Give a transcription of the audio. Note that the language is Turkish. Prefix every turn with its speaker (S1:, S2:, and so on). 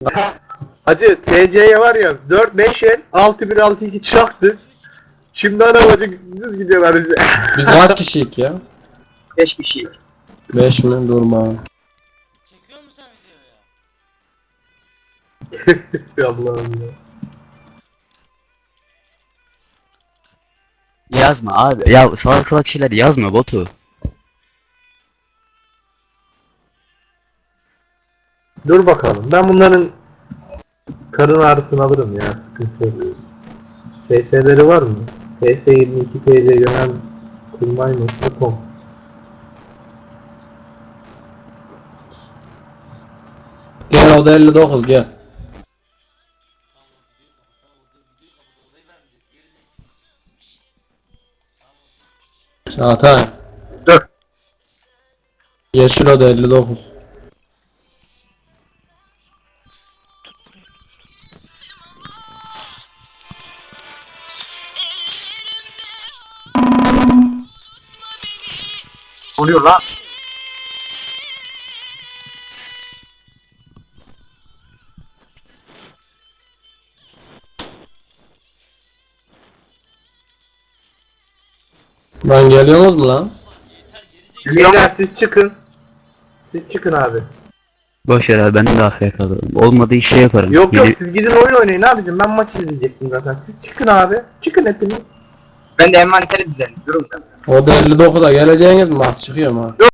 S1: Hacı TC'ye var ya 4-5 el 6-1-6-2 çaktı. Şimdi ana bacı düz gidiyorlar bize.
S2: Biz kaç kişiyik ya?
S3: 5 kişi.
S2: 5 mi? Durma.
S4: Çekiyor musun sen videoyu?
S1: Allah'ım ya.
S5: Yazma abi. Ya salak salak şeyler yazma botu.
S1: Dur bakalım. Ben bunların karın ağrısını alırım ya. Sıkıntı yok. FS'leri var mı? FS22 TC yönel kurmay.com.
S2: Gel o da 59 gel. Çağatay.
S3: Dur.
S2: Yeşil o da 59.
S3: Oluyor lan.
S2: Lan geliyorsunuz mu lan?
S1: Beyler siz çıkın. Siz çıkın abi.
S5: Boş ver abi ben de AFK kalırım. Olmadı iş şey yaparım.
S1: Yok yok siz gidin oyun oynayın abicim. Ben maç izleyecektim zaten. Siz çıkın abi. Çıkın hepiniz.
S3: Ben de envanteri düzenliyorum da.
S2: O da 59'a geleceğiniz mi? Bak çıkıyor mu?